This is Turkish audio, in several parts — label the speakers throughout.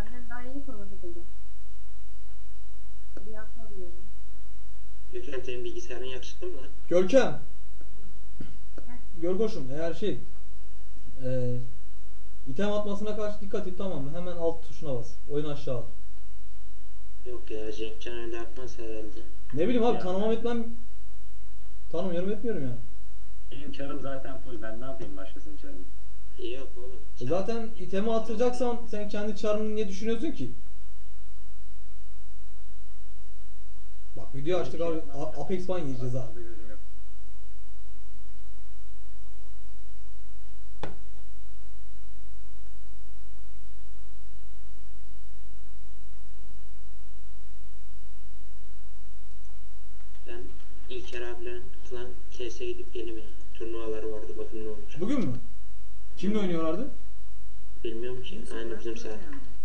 Speaker 1: Hem daha yeni format edildi. Bir hafta diyorum.
Speaker 2: Gökhan senin bilgisayarın yakışıklı mı lan?
Speaker 3: Görkem. Görkoşum eğer item atmasına karşı dikkat et, tamam mı? Hemen alt tuşuna bas. Oyun aşağı al.
Speaker 2: Yok ya, Cenkcan öyle yapmaz herhalde.
Speaker 3: Ne bileyim abi,
Speaker 4: Ya
Speaker 3: tanımam
Speaker 4: ben-
Speaker 3: etmem. Tanımıyorum etmiyorum yani.
Speaker 4: Benim çarım zaten full. Ben ne yapayım başkasının çarını?
Speaker 2: Yok oğlum.
Speaker 3: Zaten itemi atacaksan sen kendi çarını niye düşünüyorsun ki? Bak video açtık abi. Apex ban yiyeceğiz ha.
Speaker 4: Fazla gözüm yok.
Speaker 2: Ben İlker abilerin falan TS'ye gidip geleyim ya. Turnuvaları vardı, bakın ne olmuş.
Speaker 3: Bugün mü? Kimle oynuyorlardı?
Speaker 2: Bilmiyorum ki. Aynı bizim saat.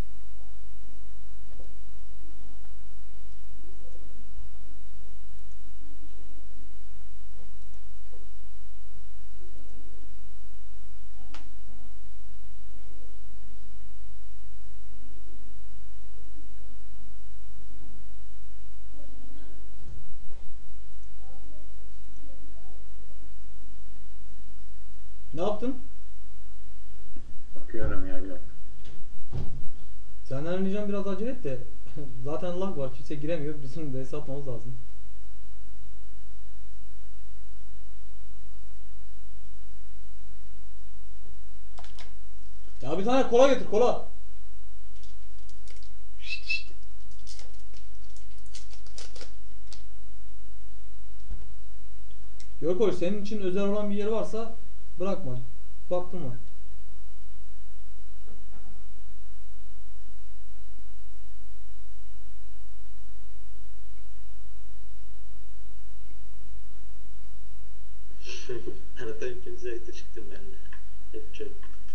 Speaker 3: Ne yaptın?
Speaker 4: Bakıyorum ya, bir dakika.
Speaker 3: Senden ricam biraz acele et de zaten lag var, kimse giremiyor. Bizim vs atmamız lazım. Ya bir tane kola getir, kola. Görkoş, senin için özel olan bir yeri varsa bırakma. Baktın mı?
Speaker 2: Anlatayım, kimse çıktım ben de. Hep çöp.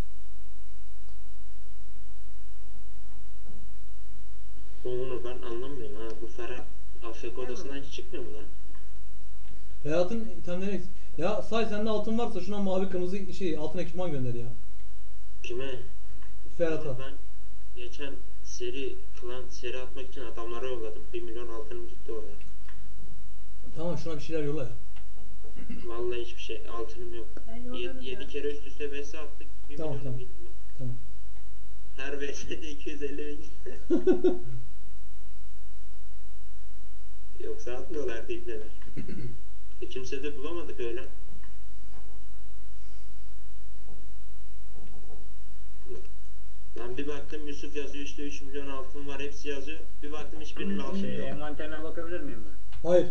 Speaker 2: Onu ben anlamıyorum ha. Bu Ferhat AFK odasından hiç çıkmıyor mu lan?
Speaker 3: Ferhat'ın itemleri eksik. Ya say, sende altın varsa şuna mavi kırmızı altın ekipman gönder ya.
Speaker 2: Kime?
Speaker 3: Ferhat'a.
Speaker 2: Ben geçen seri atmak için adamlara yolladım. 1 milyon altınım gitti oraya.
Speaker 3: Tamam, şuna bir şeyler yolla ya.
Speaker 2: Vallahi hiçbir şey, altınım yok.
Speaker 1: Ben yollarım
Speaker 2: 7
Speaker 1: ya.
Speaker 2: kere üst üste vs attık. 1
Speaker 3: Tamam,
Speaker 2: milyonum
Speaker 3: tamam.
Speaker 2: gitti.
Speaker 3: Tamam.
Speaker 2: Her vs'de 250 bin gitti. Yoksa atmıyorlardı ibneler. Kimse de bulamadık öyle. Lan bir baktım Yusuf yazıyor, işte 3 milyon altın var, hepsi yazıyor. Bir baktım hiçbirinin altını yok.
Speaker 4: Envanterine bakabilir miyim ben?
Speaker 3: Hayır.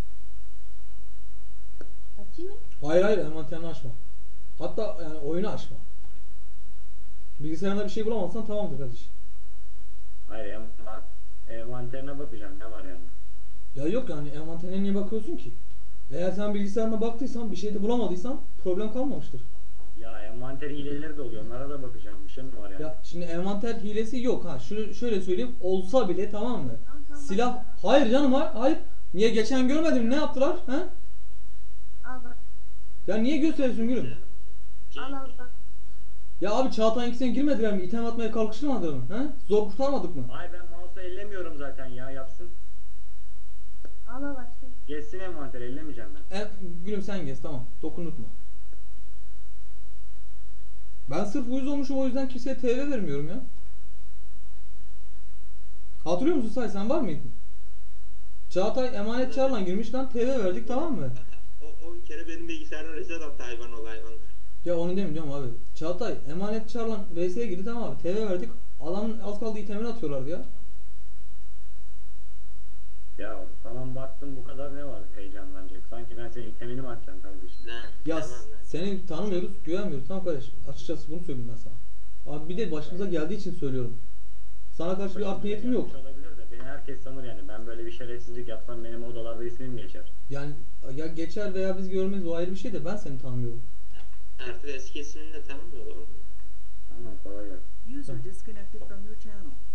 Speaker 1: Açayım mı?
Speaker 3: Hayır, envanterini açma. Hatta yani oyunu açma. Bilgisayarında bir şey bulamazsan tamamdır kardeşim.
Speaker 4: Hayır, envanterine bakacağım. Ne var yani?
Speaker 3: Ya yok yani, envanterine niye bakıyorsun ki? Eğer sen bilgisayarına baktıysan, bir şey de bulamadıysan problem kalmamıştır.
Speaker 4: Ya envanter hileleri de oluyor. Onlara da bakacağım. Bir şey mi var yani?
Speaker 3: Ya şimdi envanter hilesi yok ha. Şöyle söyleyeyim, olsa bile tamam mı?
Speaker 1: Tamam.
Speaker 3: Silah, hayır canım, hayır. Niye geçen görmedin, ne yaptılar? He?
Speaker 1: Al bak.
Speaker 3: Ya niye gösteriyorsun gülüm?
Speaker 1: Al bak.
Speaker 3: Ya abi, Çağatay'ın ikisine girmediler mi? İtem atmaya kalkıştırmadılar mı? He? Zor kurtarmadık mı?
Speaker 4: Hayır, ben mouse'u ellemiyorum zaten ya. Yapsın.
Speaker 1: Al başka.
Speaker 4: Geçsin envanteri. Ellemeyeceğim ben.
Speaker 3: Gülüm sen gez, tamam. Dokunutma. Ben sırf uyuz olmuşum, o yüzden kimseye TV vermiyorum ya. Hatırlıyor musun Say, sen var mıydın? Çağatay emanet çağrıla girmiş lan, TV verdik, tamam mı?
Speaker 2: O bir kere benim bilgisayarıma reset attı, hayvan ol hayvan.
Speaker 3: Ya onu demiyorum abi. Çağatay emanet çağrıla VS'ye girdi, tamam abi. TV verdik. Adamın az kaldığı itemini atıyorlardı ya.
Speaker 4: Ya tamam, baktım, bu kadar ne var heyecanlanacak? Sanki ben senin itemini mi atacağım kardeşim?
Speaker 3: Ya
Speaker 2: Tamam lan.
Speaker 3: seni tanımıyoruz, güvenmiyoruz. Tamam kardeş. Açıkçası bunu söyleyeyim ben sana. Abi bir de başımıza geldiği için söylüyorum. Sana karşı bir art niyetim yok.
Speaker 4: Gelmiş olabilir de beni herkes sanır yani. Ben böyle bir şerefsizlik yapsam benim odalarda ismim geçer.
Speaker 3: Yani ya geçer veya biz görmeyiz, o ayrı bir şey de ben seni tanımıyorum.
Speaker 2: Artık eski ismini de tanımıyorlar oğlum.
Speaker 4: Tamam, kolay gelsin.
Speaker 5: User disconnected from your channel.